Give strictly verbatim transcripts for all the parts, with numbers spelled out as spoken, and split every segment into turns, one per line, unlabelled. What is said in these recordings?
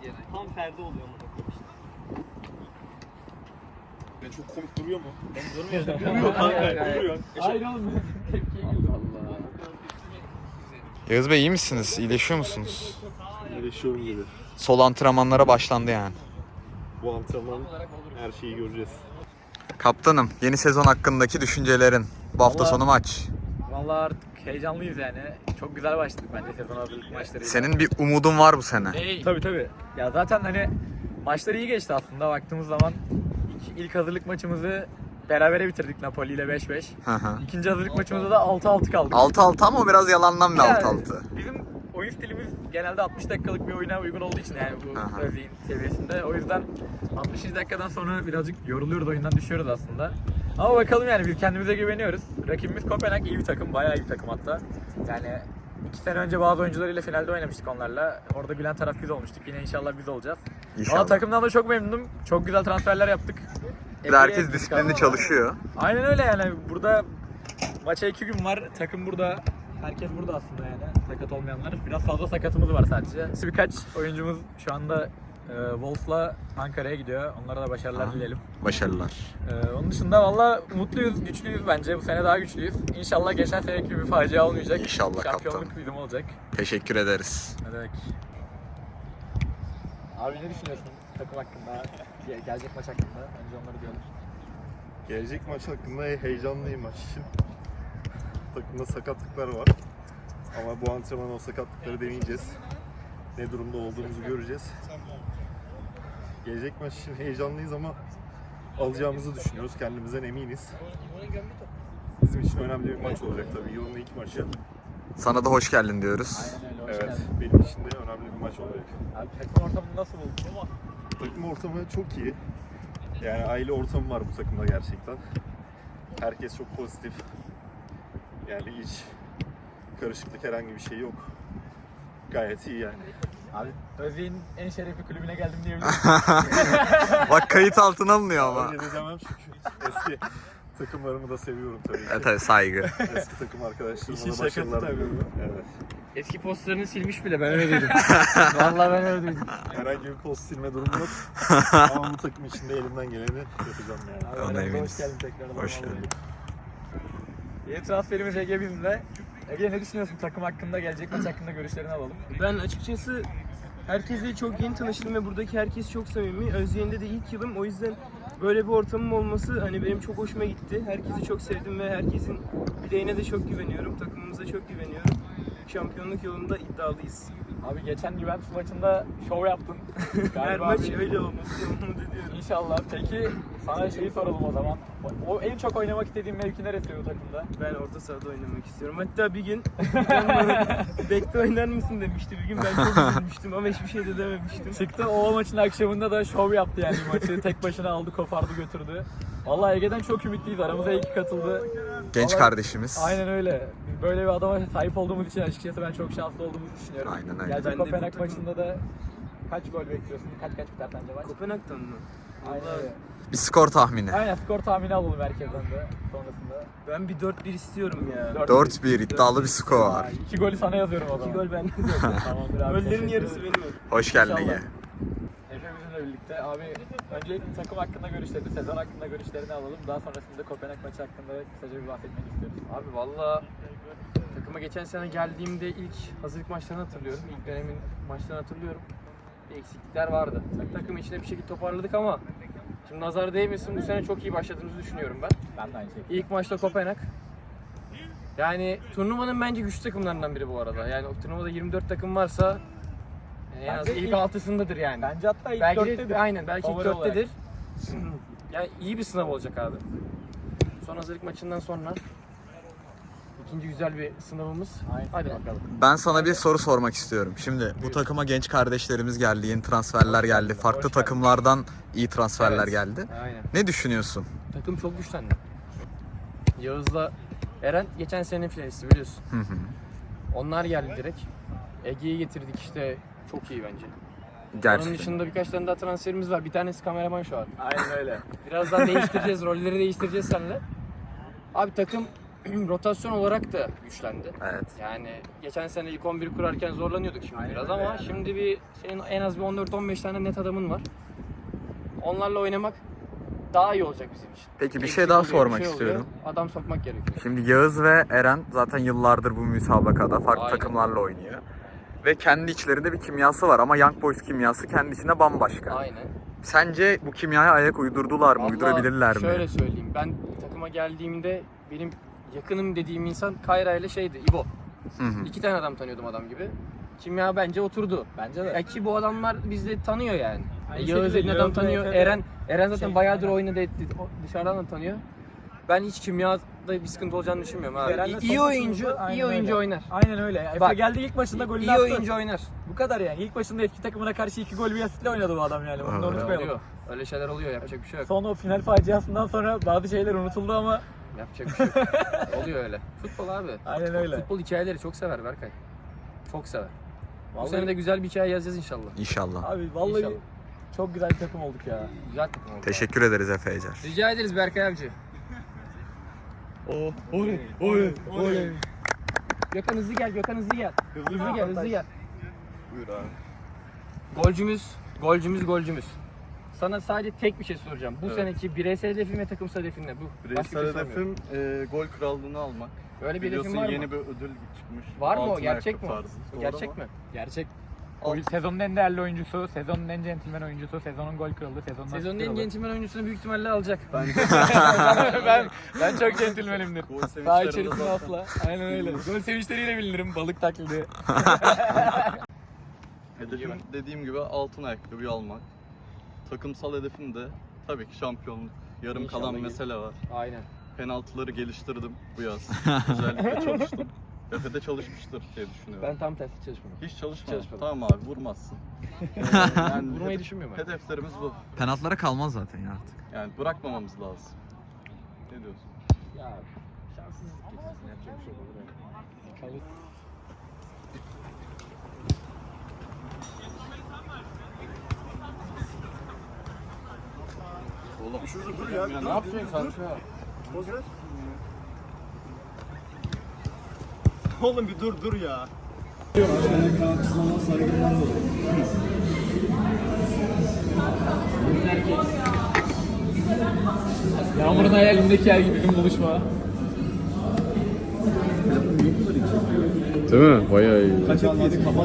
Tam Ferdi oluyor mu?
Yani çok komik duruyor mu?
Durmuyor.
Duruyor kanka, duruyor.
Hayır oğlum. Allah.
Yağız Bey iyi misiniz? İyileşiyor musunuz?
İyileşiyorum gibi.
Sol antrenmanlara başlandı yani.
Bu antrenman her şeyi göreceğiz.
Kaptanım, yeni sezon hakkındaki düşüncelerin. Bu hafta
Vallahi-
sonu maç.
Vallahi artık heyecanlıyız yani. Çok güzel başladık bence sezon hazırlık maçları.
Senin bir umudun var bu sene.
Hey. Tabii tabii. Ya zaten hani maçlar iyi geçti aslında baktığımız zaman. İlk, ilk hazırlık maçımızı berabere bitirdik Napoli ile beş beş.
Hı hı.
İkinci hazırlık maçımızda da altı altı kaldık.
altı altı ama o biraz yalandan bir
Yani
altı altı.
Bizim oyun stilimiz genelde altmış dakikalık bir oyuna uygun olduğu için yani bu
Aha.
Özyeğin seviyesinde. O yüzden altmışıncı dakikadan sonra birazcık yoruluyoruz, oyundan düşüyoruz aslında. Ama bakalım yani biz kendimize güveniyoruz. Rakibimiz Kopenhag iyi bir takım, bayağı iyi bir takım hatta. Yani iki sene önce bazı oyuncularıyla finalde oynamıştık onlarla. Orada gülen taraf biz olmuştuk. Yine inşallah biz olacağız.
İnşallah.
Ama takımdan da çok memnunum. Çok güzel transferler yaptık.
Bir de herkes disiplinli çalışıyor.
Aynen öyle yani. Burada maça iki gün var. Takım burada. Herkes burada aslında yani. Sakat olmayanlar. Biraz fazla sakatımız var sadece. Birkaç oyuncumuz şu anda e, Wolf'la Ankara'ya gidiyor. Onlara da başarılar
Aha.
dileyelim.
Başarılar.
E, onun dışında valla mutluyuz, güçlüyüz bence. Bu sene daha güçlüyüz. İnşallah geçen seneki gibi bir facia olmayacak.
İnşallah
Şampiyonluk
kaptanım.
bizim olacak.
Teşekkür ederiz.
Ne demek? Abi ne düşünüyorsun takım hakkında? Ge- Gelecek maç hakkında? Önce onları diyorlar.
Gelecek maç hakkında heyecanlıyım maç için. Takımda sakatlıklar var. Ama bu antrenman o sakatlıkları deneyeceğiz. Ne durumda olduğumuzu göreceğiz. Gelecek maç için heyecanlıyız ama alacağımızı düşünüyoruz. Kendimizden eminiz. Bizim için önemli bir maç olacak tabii. Yılın ilk maçı.
Sana da hoş geldin diyoruz.
Aynen öyle. Hoş
Evet,
geldin.
benim için de önemli bir maç olacak.
Abi takım ortamını nasıl buldun?
Takım ortamı çok iyi. Yani aile ortamı var bu takımda gerçekten. Herkes çok pozitif. Yani hiç karışıklık herhangi bir şey yok. Gayet iyi yani.
Abi Özyeğin en şerefli kulübüne geldim diyebilirim.
Bak kayıt altına alınıyor ama.
Öyle de demem çünkü eski takımlarımı da seviyorum tabii ki.
Evet tabii saygı.
Eski takım arkadaşlarıma
İşin
da
şakası
başarılar
tabii.
diliyorum. Evet.
Eski postlarını silmiş bile ben öyle dedim.
Vallahi ben öyle duydum.
Herhangi bir post silme durumu yok. Ama bu takım içinde elimden geleni yapacağım yani.
Abi
Ona
aramıza
eminiz.
hoş geldin tekrardan.
Hoş geldin.
Yeni transferimiz Ege bizimle. Ege ne düşünüyorsun takım hakkında, gelecek maç hakkında görüşlerini alalım.
Ben açıkçası herkesle çok yeni tanıştım ve buradaki herkes çok samimi. Özyeğin'de de ilk yılım, o yüzden böyle bir ortamım olması hani benim çok hoşuma gitti. Herkesi çok sevdim ve herkesin bileğine de çok güveniyorum, takımımıza çok güveniyorum. Şampiyonluk yolunda iddialıyız.
Abi geçen Juventus maçında şov yaptın.
Her
Galiba
maç
bir-
öyle olması umut ediyorum.
İnşallah. Peki sana şeyi soralım o zaman. O en çok oynamak istediğin mevki neresi bu takımda?
Ben orta sahada oynamak istiyorum. Hatta bir gün ben bana bekte oynar mısın demişti bir gün. Ben çok üzülmüştüm ama hiçbir şey de dememiştim.
Çıktı o maçın akşamında da şov yaptı yani maçı. Tek başına aldı, kopardı, götürdü. Vallahi Ege'den çok ümitliyiz. Aramıza iyi ki katıldı.
Genç
Vallahi-
kardeşimiz.
Aynen öyle. Biz böyle bir adama sahip olduğumuz için açıkçası ben çok şanslı olduğumuzu düşünüyorum.
Aynen öyle.
Gelecek
Ben de bu
Kopenhag
takım-
maçında da kaç gol bekliyorsun? Kaç kaç biter sence maç?
Kopenhag'dan mı?
Aynen
Vallahi
öyle.
Bir skor tahmini.
Aynen skor tahmini alalım herkesten de sonrasında.
ben bir dört bir istiyorum ya.
dört bir iddialı bir skor.
Aa, İki golü sana yazıyorum o zaman.
İki gol bende.
Tamamdır abi.
Gollerin
teşekkür
yarısı
ederim.
benim oldu.
Hoş geldin
İnşallah.
Ege.
Efe bizimle birlikte. Abi öncelikle takım hakkında görüşlerini, sezon hakkında görüşlerini alalım. Daha sonrasında Kopenhag maçı hakkında kısaca bir bahsetmek istiyoruz.
Abi valla takıma geçen sene geldiğimde ilk hazırlık maçlarını hatırlıyorum. İlk dönemin maçlarını hatırlıyorum. Bir eksiklikler vardı. Tak- Takım içinde bir şekilde toparladık ama şimdi nazar değmesin, bu sene çok iyi başladığımızı düşünüyorum ben.
Ben de aynı şekilde.
İlk maçta Kopenhag. Yani turnuvanın bence güçlü takımlarından biri bu arada. Yani o turnuvada yirmi dört takım varsa en az
Bence
ilk
ilk-
altısındadır yani.
Bence hatta ilk
belki
dörttedir.
de, aynen belki ilk
Favori olarak.
dörttedir. Yani iyi bir sınav olacak abi. Son hazırlık maçından sonra ikinci güzel bir sınavımız.
Aynen.
Hadi bakalım.
Ben sana bir soru sormak istiyorum. Şimdi bu takıma genç kardeşlerimiz geldi, yeni transferler geldi. Farklı
Hoş geldin.
takımlardan iyi transferler
Evet.
geldi.
Aynen.
Ne düşünüyorsun?
Takım çok güçlendi. Yağız'la Eren geçen senenin finalisti biliyorsun.
Hı hı.
Onlar geldi direkt. Ege'yi getirdik işte, çok iyi bence. Onun
Gerçekten.
dışında birkaç tane daha transferimiz var. Bir tanesi kameraman şu an.
Aynen öyle.
Birazdan değiştireceğiz, rolleri değiştireceğiz seninle. Abi takım rotasyon olarak da güçlendi.
Evet.
Yani geçen sene ilk on bir kurarken zorlanıyorduk şimdi biraz ama şimdi bir senin en az bir on dört on beş tane net adamın var. Onlarla oynamak daha iyi olacak bizim için.
Peki bir
Eksik
şey daha
oluyor, bir
sormak
şey oluyor.
istiyorum.
Adam sokmak gerekiyor.
Şimdi Yağız ve Eren zaten yıllardır bu müsabakada farklı
Aynen.
takımlarla oynuyor. Ve kendi içlerinde bir kimyası var ama Young Boys kimyası kendi içinde bambaşka.
Aynen.
Sence bu kimyaya ayak uydurdular mı?
Vallahi
Uydurabilirler mi?
Şöyle söyleyeyim. Ben takıma geldiğimde benim yakınım dediğim insan Kayra ile şeydi, İbo.
Hı hı.
İki tane adam tanıyordum adam gibi. Kimya bence oturdu.
Bence de.
Ya ki bu adamlar bizde tanıyor yani.
Aynı
Yağız
şekilde
dediğin adam
Yağız ve
tanıyor.
Efe de
Eren Eren zaten
şey,
bayağıdır
aynen.
oynadı etti. O dışarıdan da tanıyor. Ben hiç kimyada bir sıkıntı olacağını düşünmüyorum abi.
Eren'le
iyi
son
oyuncu,
maçımızda aynen
iyi oyuncu
öyle.
oynar.
Aynen öyle. Efe
Bak,
geldi ilk maçında golünü
İyi
attı.
oyuncu oynar.
Bu kadar yani. İlk başında eski takımına karşı iki gol bir asitle oynadı bu adam yani. Bunu da
Öyle
unutmayalım.
Oluyor. Öyle şeyler oluyor. Yapacak bir şey yok.
Son o final faciasından sonra bazı şeyler unutuldu ama
Yapacak bir şey yok. Oluyor öyle. Futbol abi.
aynen öyle.
Futbol hikayeleri çok sever Berkay. Çok sever. Bu
Vallahi-
sene de güzel bir hikaye yazacağız inşallah.
İnşallah.
Abi vallahi
İnşallah.
çok güzel bir takım olduk ya.
Güzel takım oldu.
Teşekkür ederiz Efe Ecer.
Rica ederiz Berkay abici.
Oh, oley, oley, oley.
Gökhan hızlı gel, Gökhan hızlı gel. Hızlı gel, hızlı gel.
Buyur abi.
Golcümüz, golcümüz, golcümüz. Sana sadece tek bir şey soracağım. Bu
Evet.
seneki bireysel hedefin ve takımsal hedefin ne? Bu. Başka bir
Bireysel
şey sormuyorum.
hedefim e, gol krallığını almak.
Öyle bir hedefin
Biliyorsun
var mı?
yeni bir ödül çıkmış.
Var mı o?
Altın
Gerçek
ayakkabı
mi o?
tarzı.
O
Doğru
Gerçek
ama
mi?
Gerçek.
Alt-
Gol, sezonun en değerli oyuncusu, sezonun en centilmen oyuncusu, sezonun gol kralı, sezonun
Sezonun
asist
en
kralı.
centilmen oyuncusunu büyük ihtimalle alacak.
ben ben çok centilmenimdir.
Gol
Sağ
sevinçlerinde
içerisinde
zaten-
asla. Aynen öyle. Gol sevinçleriyle bilinirim. Balık taklidi.
Hedefim dediğim gibi altın ayakkabıyı almak. Takımsal hedefim de tabii ki şampiyonluk. Yarım
İnşallah
kalan
gelir.
mesele var.
Aynen.
Penaltıları geliştirdim bu yaz. Özellikle çalıştım. Efe'de çalışmıştır diye düşünüyorum.
Ben tam tersi çalışmadım.
Hiç çalışmadım.
Çalışmadım.
Tamam abi vurmazsın. Ee, yani
Vurmayı
hedef-
düşünmüyorum ben.
Hedeflerimiz bu.
Penaltılara kalmaz zaten ya artık.
Yani bırakmamamız lazım. Ne diyorsun?
Ya şanssızlık getirsin. Yapacak bir şey olur.
Oğlum şurada dur ya.
Ne yapacaksın kanka?
Oğlum bir dur dur ya.
Yağmur'un hayalindeki yer gibi bir buluşma.
Değil mi? Bayağı iyi.
Kaç almadı kapat.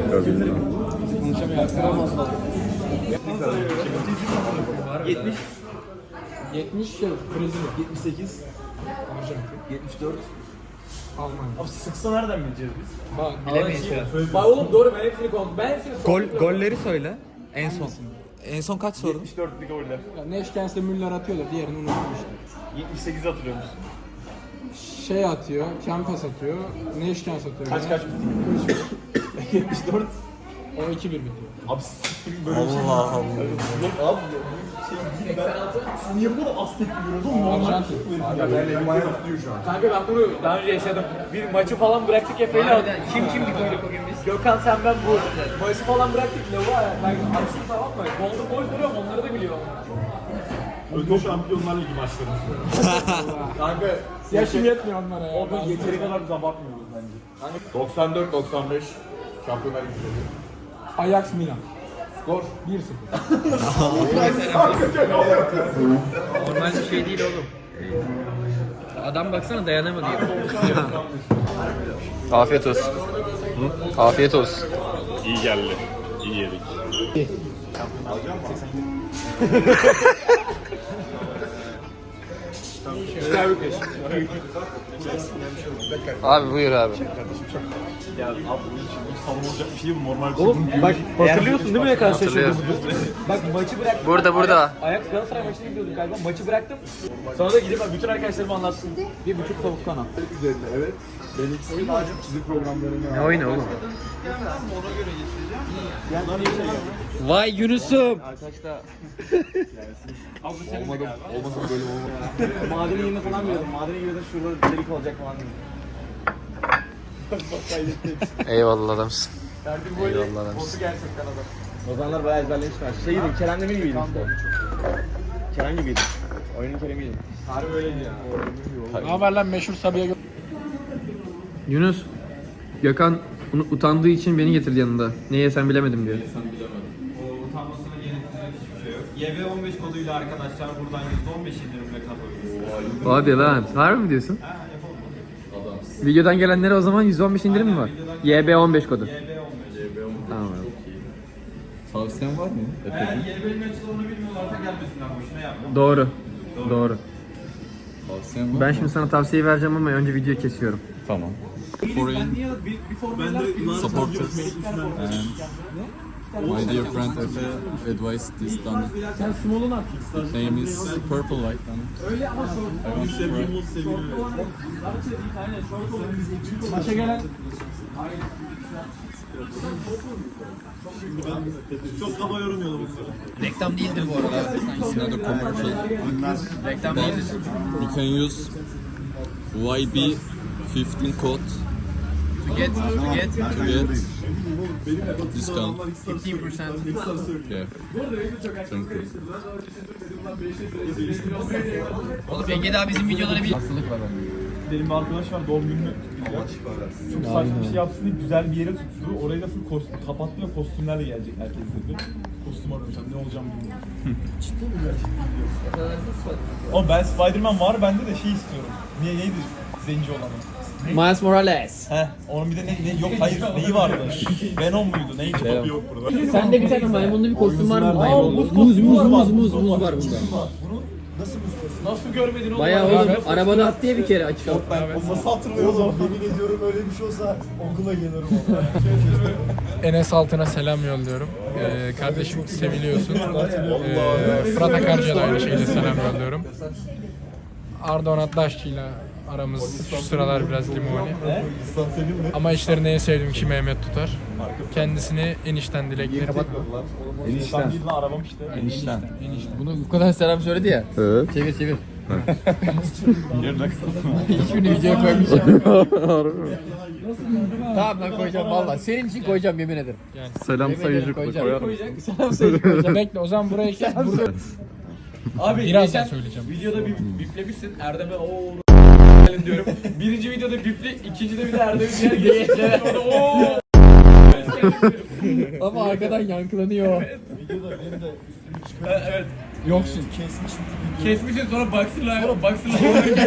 yetmiş yok. Brezilya. yetmiş sekiz. yetmiş dört. Almanya.
Abi sıksa nereden bileceğiz biz?
Bak
Bilemeyiz. Bak oğlum doğru ben hepsini kontrol. Ben hepsini
Gol golleri söyle. En son. En son kaç sordun?
yetmiş dörtlük goller.
Neşkens'le Müller atıyorlar. Diğerini unutmuşlar.
yetmiş sekiz hatırlıyor musun?
Şey atıyor. Kempes atıyor. Neşkens atıyor.
Kaç kaç bitti? yetmiş dört.
O iki bir bitiyor.
Abi siktir böyle bir şey.
Allah Allah.
Yok abi. Şey, ben, siz niye bu kadar az tepki veriyorsunuz oğlum? Normal.
Arjantin.
Ya ben elim ayağım tutuyor şu an.
Kanka ben bunu daha önce yaşadım. Bir maçı falan bıraktık Efe'yle.
Kim kim gördük bugün biz?
Gökhan sen ben bu. Maçı falan bıraktık. Lavuğa ben açtım tamam mı? Golden Boy duruyorum onları da biliyorum.
Ödül Şampiyonlar Ligi maçlarımız. Kanka
Yaşım yetmiyor onlara ya.
orada yeteri kadar biz abartmıyoruz bence. doksan dört doksan beş Şampiyonlar Ligi'de.
Ajax Milan.
Skor.
bir sıfır.
Normal bir şey değil oğlum. Adam baksana dayanamadı ya. Afiyet olsun. Afiyet olsun.
İyi geldi. İyi yedik.
Abi buyur abi.
Ya abi bu savunulacak bir şey bu normal.
Oğlum bak hatırlıyorsun değil mi ne kadar şaşırdım?
Hatırlıyorum.
Bak maçı bıraktım.
Burada burada.
Ajax Galatasaray maçına gidiyorduk galiba. Maçı bıraktım. Sonra da gidip bütün arkadaşlarıma anlattım. Bir buçuk tavuk kanat.
Üzerinde evet. Ben ikisini çizim programlarını
Ne oyunu oğlum? Vay Yunus'um.
olmadı. Olmasa böyle olmaz.
Madeni yerine falan veriyordum. Madeni giriyordum şurada delik olacak falan dedim.
Eyvallah adamsın.
Derdim böyle
Eyvallah adamsın.
botu gerçekten adam.
O zamanlar bayağı ezberlemiştim. Şey gibiydim. Kerem Demir gibiydim işte. Kerem gibiydim.
Oyunun Kerem'iydi.
Harbi öyleydi ya. Ne haber lan meşhur Sabiha Gö-
Yunus, Gökhan utandığı için beni getirdi yanında. Ne yesem bilemedim diyor.
O utanmasına gerektirecek hiçbir şey yok. Y B on beş koduyla arkadaşlar buradan yüzde on beş indirimle katılıyorsunuz.
Hadi lan. Harbi mi diyorsun?
Ha yapalım.
Videodan gelenlere o zaman yüzde on beş indirim mi var? Y B on beş kodu.
Y B on beş.
Tamam abi.
Tavsiyen var mı?
Eğer Y B'nin açılımını bilmiyorlarsa gelmesinler boşuna yapma.
Doğru. Doğru.
Tavsiyen var
Ben şimdi sana tavsiye vereceğim ama önce videoyu kesiyorum.
Tamam. Foreign supporters and my dear friend Efe advised this done.
Sen small'un at.
Name is Purple Light done.
Öyle ama
I want to try.
maça gelen
Çok kafa yorumuyordum.
Reklam değildir bu arada.
It's not a commercial.
Reklam
But
değildir.
you can use Y B fifteen code
To get, to get
to get discount.
fifteen percent.
Yeah. Thank you.
Oğlum Ege daha bizim videoları bir...
Benim bir arkadaş var doğum gününü kutlayacak. Çok saçma bir şey yapsın diye güzel bir yere tuttu. Orayı da full kostüm, kapattı ve kostümlerle gelecek herkes dedi. Kostüm arayacağım, ne olacağım bilmiyorum. Ciddi mi gerçekten? Ama ben Spider-Man var bende de şey istiyorum. Niye neydi zenci olanı?
Miles Morales.
Heh, onun bir de ne, ne yok hayır neyi vardı? Venom muydu? Neydi? Topu yok burada.
Sende bir tane maymunlu bir kostüm var mı?
Aa,
Maymunlu.
muz
Muz
kostümü
muz
var,
muz
bak,
muz
muz
muz
var.
var bunda.
Bunu nasıl muz kostümü? Nasıl görmedin oğlum?
Bayağı oğlum arabada at diye bir kere açık al.
O nasıl hatırlıyorsun? Yemin ediyorum öyle bir şey olsa okula gelirim.
Enes Altın'a selam yolluyorum. Ee, kardeşim seviliyorsun. Ee, Fırat Akarcı'ya da aynı şekilde selam yolluyorum. Arda Onatlaşçı'yla aramız şu sıralar biraz limoni. Ama işlerini en sevdiğim ki Mehmet Tutar. Kendisini enişten dileklerim.
Enişten. Ben arabam işte.
Enişten.
Bunu bu kadar selam söyledi ya.
Evet.
Çevir çevir. Hiçbirini videoya koymayacağım. Tamam ben koyacağım valla. Senin için koyacağım yemin ederim.
Selam
Yemin ederim
sayıcılıkla
koyacağım.
koyar mısın?
Selam sayıcı koyacağım.
Bekle o zaman buraya kes. Burada
Abi
birazdan
geçen
söyleyeceğim.
videoda bir biplemişsin. Erdem'e ooo diyorum. Birinci videoda bipli, ikincide bir de Erdem'in diğer geçti. Orada ooo.
Ama arkadan yankılanıyor.
Evet.
Yoksun.
Kesmişsin sonra baksırla baksırla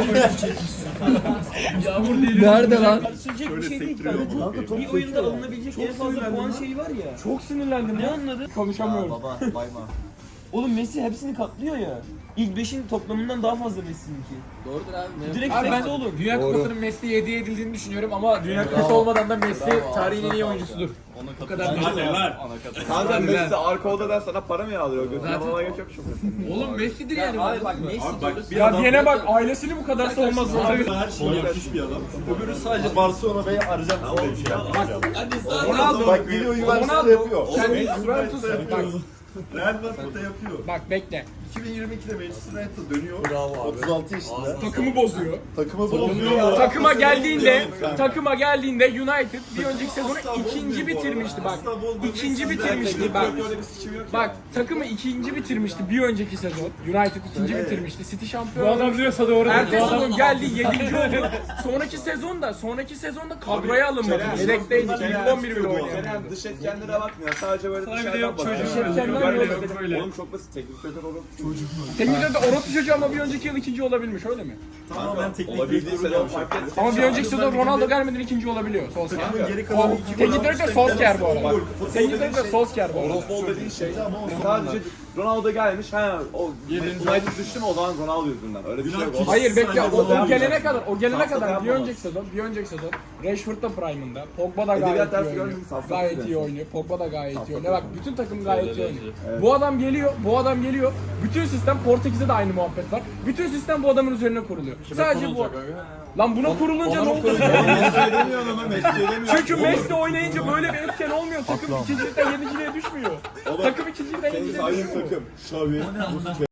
Yağmur değil.
Nerede lan?
Söyleyecek bir şey değil kanka. Bir oyunda alınabilecek en fazla puan şeyi var ya. Çok sinirlendim. Ne anladın?
Konuşamıyorum.
Baba bayma.
Oğlum Messi hepsini katlıyor ya. İlk beşin toplamından daha fazla Messi'ninki.
Doğrudur abi.
Direkt
Abi ben
sekse oğlum.
Dünya Kupası'nın Messi'ye hediye edildiğini düşünüyorum ama Dünya Kupası olmadan da Messi tarihin en iyi oyuncusudur. O kadar
Kanka Messi arka odadan sana para mı yağdırıyor? Gözüne bana geç yok çok.
Oğlum Messi'dir yani. Abi bak Messi
Ya diyene bak ailesini bu kadar savunması.
Her şeyi yapmış bir adam. Öbürü sadece Barcelona Bey'i arayacağım size bir şey yapmış.
Ronaldo.
Bak gidiyor Juventus'ta yapıyor.
Kendi
Juventus'ta yapıyor. Real Madrid'de yapıyor.
Bak bekle.
iki bin yirmi ikide Manchester United dönüyor. otuz altı yaşında.
Takımı bozuyor.
Takımı bozuyor.
Takıma geldiğinde, takıma geldiğinde United bir önceki sezonu ikinci bitirmişti bak. İkinci bitirmişti bak. Bak takımı ikinci bitirmişti bir önceki sezon. United ikinci bitirmişti. City şampiyon. Bu adam diyorsa doğru. Ertesi sezon geldi yedinci oldu. Sonraki sezonda, sonraki sezonda kadroya alınmadı. Yedekteydi. İlk on bir bile oynayamadı.
Dış etkenlere bakmıyor. Sadece böyle
bir de yok
dışarıdan
çocuğu.
bakıyor.
Dış etkenler yok böyle.
Oğlum çok basit. Teknik direktör olur.
Teknikte de orospu çocuğu ama bir önceki yıl ikinci olabilmiş öyle mi?
Tamamen teknik direktör fark etmez.
Ama bir önceki sezon Ronaldo gelmeden ikinci olabiliyor. Solskjaer. O teknik direktör Solskjaer bu arada. Teknik direktör Solskjaer bu arada.
Futbol dediğin şey sadece Ronaldo gelmiş. Ha o United düştü mü o zaman Ronaldo yüzünden. Öyle bir şey yok.
Hayır bekle o, o gelene kadar o gelene kadar bir önceki sezon bir önceki sezon Rashford da prime'ında. Pogba da gayet
Edebiyat
iyi
dersi
oynuyor.
görmedin mi? Safsat
Gayet
dersi.
iyi oynuyor. Pogba da gayet iyi oynuyor. Bak bütün takım gayet iyi oynuyor. Bu adam geliyor, bu adam geliyor. Bütün sistem Portekiz'de de aynı muhabbet var. Bütün sistem bu adamın üzerine kuruluyor. Sadece bu. Lan buna kurulunca ne oldu?
Messi demiyor ama Messi demiyor.
Çünkü Messi oynayınca böyle bir etken olmuyor. Takım ikincilikten yedinciliğe düşmüyor. Takım ikincilikten yedinciliğe
Aynı
düşmüyor.
takım. Xavi,